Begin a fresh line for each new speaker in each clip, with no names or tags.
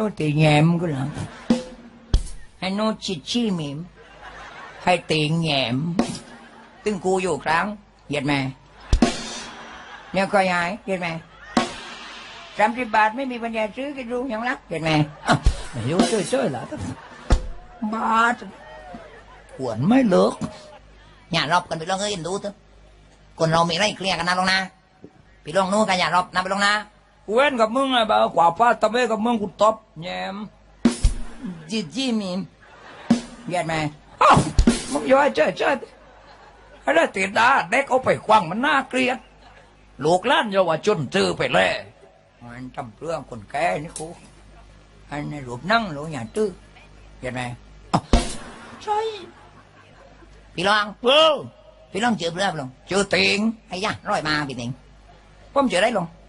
ตีแงมก็แล้วให้โนชิชิมิมให้ตีแงมตึงกูอยู่ครั้งเหยียดแม่เนี่ยก็ยายเหยียดแม่30 บาทไม่มีปัญญาซื้อกินรู้ยังรักเหยียดแม่ไม่รู้ช่วยๆเหรอบาทขวนไม่เลิกอย่ารอบกันไปลองเอ้ยดูเถอะคนเรามีอะไรเคลียร์กันนะลงนะไปลองนู้นกันอย่ารอบนะไปลงนะกูเว้นกับมึงไงบ่าวกว่าป้าตะเบ้กับมึงกูตบแยมจีมีมเย็ดไหมอ้าวมึงย้อยเจ้อะไรติดตาเด็กเอาไปควังมันน่าเกลียดลูกล้านเยาวชนซื้อไปเลยมันจำเรื่องคนแก่นี่กูอันนี้รูปนั่งรูปอย่างตื้อเย็ดไหมใช่พี่ลองพี่ลองเจอเรื่องลงเจอติงไอ้ย่าร้อยมาพี่ติงผมเจอได้ลง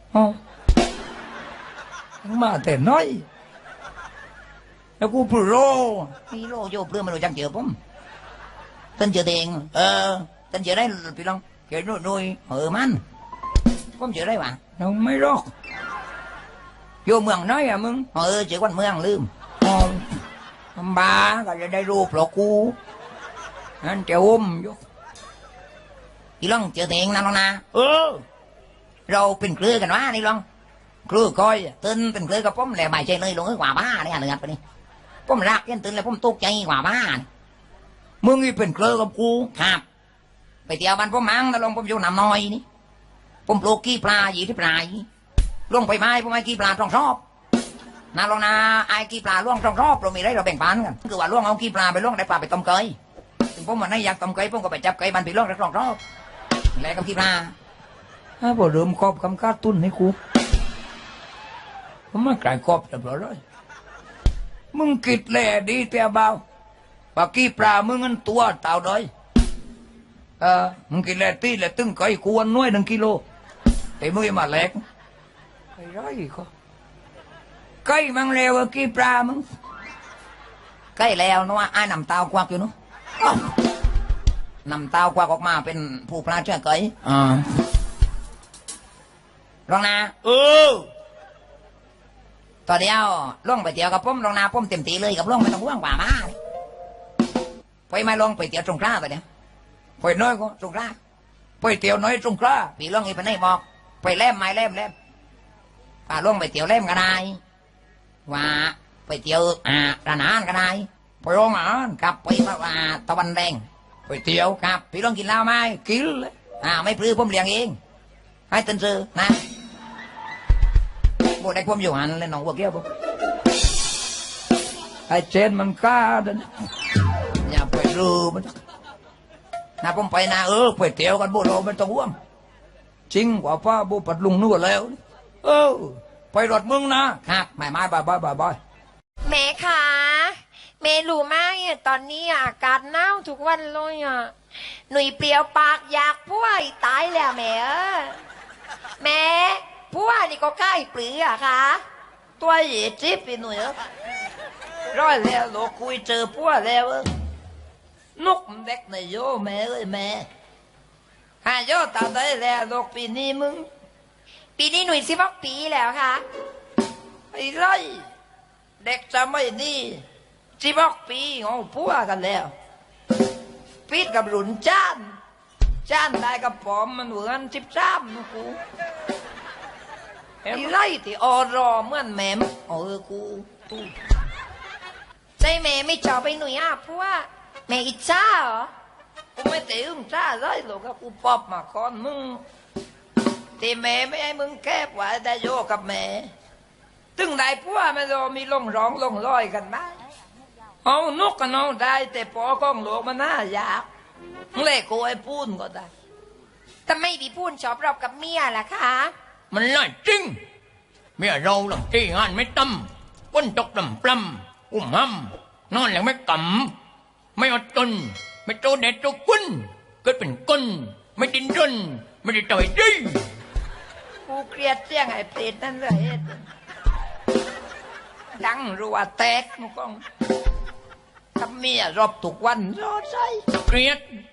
มาแต่น้อยแล้วกูพูดโลพี่โลโยเพื่อมาดูจังเจอผมต้นเจอติงต้นเจอได้พี่ลองเจอนุยมันผมเจอได้วะน้องไม่รอกโยเมืองน้อยอะมึงเจอวันเมืองลืมบ้าก็จะได้รูปหรอกกูนั่นเจ้าอยู่พี่ลองเจอติงนั่นลองนะเราเป็นเครือกันวะนี่ลองเครือคอยตื่นเป็นเครือกับผมแหละไม่ใช่เลยลงกว่าบ้าเนี่ยเหนือไปนี่ผมรักยันตื่นแล้วผมตกใจกว่าบ้ามึงนี่เป็นเครือกับกูครับไปเที่ยวบ้านผมมั้งแต่ลงผมอยู่น้ำน้อยนี่ผมปลูกกี้ปลาอยู่ที่ปลายลงไปไม้ผมไอ้กี้ปลาต้องชอบนะลองนะไอ้กี้ปลาล่วงต้องชอบเรามีได้เราแบ่งปันกันคือว่าล่วงเอากี้ปลาไปล่วงได้ปลาไปต้มเกยผมวันนี้อยากต้มเกยผมก็ไปจับเกยบันไปล่วงได้ต้องชอบแล้วกับกี้ปลาพอเริ่มครอบคำการตุ้นให้กูผมไม่กลายครอบเรียบร้อยเลยมึงกิดแหล่ดีแต่เบาปากกี้ปลามึงงั้นตัวเต่าด้อยมึงกินแหล่ตีแหล่ตึงไก่กวนน้อย1 กิโลแต่มึงมาแหลกไอ้ร้อยก็ไก่มังเลวกี้ปลามึงไก่แล้วนะว่าไอ้นำเตากวักอยู่นู้นำเตากวักออกมาเป็นผู้ปลาเชื่อไก่ลองนะต่อเดียวล่องไปเที่ยวกับผมลองนาผมเต็มตีเลยกับล่องไม่ต้องห่วงกว่ามาไปไม่ลองไปเที่ยวตรงกล้าไปเนี่ยไปน้อยก็ตรงกล้าไปเที่ยวน้อยตรงกล้าพี่ล่องอีไปไหนบอกไปแลมไม่แลมป่าล่องไปเที่ยวแลมกันได้ว่าไปเที่ยวร้านอาหารกันได้ไปโรงอาหารกับไปว่าตะวันแดงไปเที่ยวครับพี่ล่องกินเหล้าไหมกินเลยไม่พลื้ผมเลี้ยงเองให้ตื่นซื้อนะโบได้ความอยู่หันเลยน้องวัวเกี้ยวปุ๊บไอ้เจนมันกล้าเดินอย่าไปรู้มันนะผมไปนะไปเที่ยวกันโบเราไม่ต้องห่วงจริงกว่าป้าโบปัดลุงนู่นแล้วไปรถมึงนะครับไม่บาย
แม่คะแม่รู้ไหมตอนนี้อากาศหนาวทุกวันเลยหนุ่ยเปลี่ยวปากอยากพัวตายแล้วแม่แม่พัวนี่ก็ใกล้ปลือค่ะ
ตัวเหยียดจิ๊บไปหน่อยร้อยแล้วโลคุยเจอพัวแล้วนกเด็กในโยแม่แม่โยตาได้แล้วโลกปีนี้มึง
ปีนี้หนุ่ย16 ปีแล้วค่ะ
ไอ้ไรเด็กจะไม่นี่16 ปีงงพัวกันแล้วปีกับหลุนจ้านได้กับผมมันเหมือน13นะกูไอ้ไรที่อรอเหมือนแม่กู
ใจแม่ไม่ชอบไปหนุ่ยพัวแม่อิจฉาเหรอ
กูไม่ตีอึ้งจ้าเลยหรอกกูปอบมาคอนมึงที่แม่ไม่ให้มึงแคบไว้ได้โยกับแม่ตึงได้พัวไม่รอมีลงร้องลงร้อยกันไหมเอานกกันเอาได้แต่ปอกล้องหลวงมันน่ายากเล่กูไอ้พูนก็ได้
แต่ไม่พี่พูนชอบรอบกับเมียล่ะคะ
มันน่าจริงเมียเราหลังที่งานไม่ตั้มก้นตกลำปล้ำห้ำนอนอย่างไม่กำไม่อดทนไม่โตเด็ดโตกุ้นเกิดเป็นก้นไม่ดิ้นรนไม่ได้ต่อยดีกูเครียดเสียงไอ้เปรตนั่นเลยดังรัวแตกมุกองทำเมียรอบทุกวันรอใจเครียด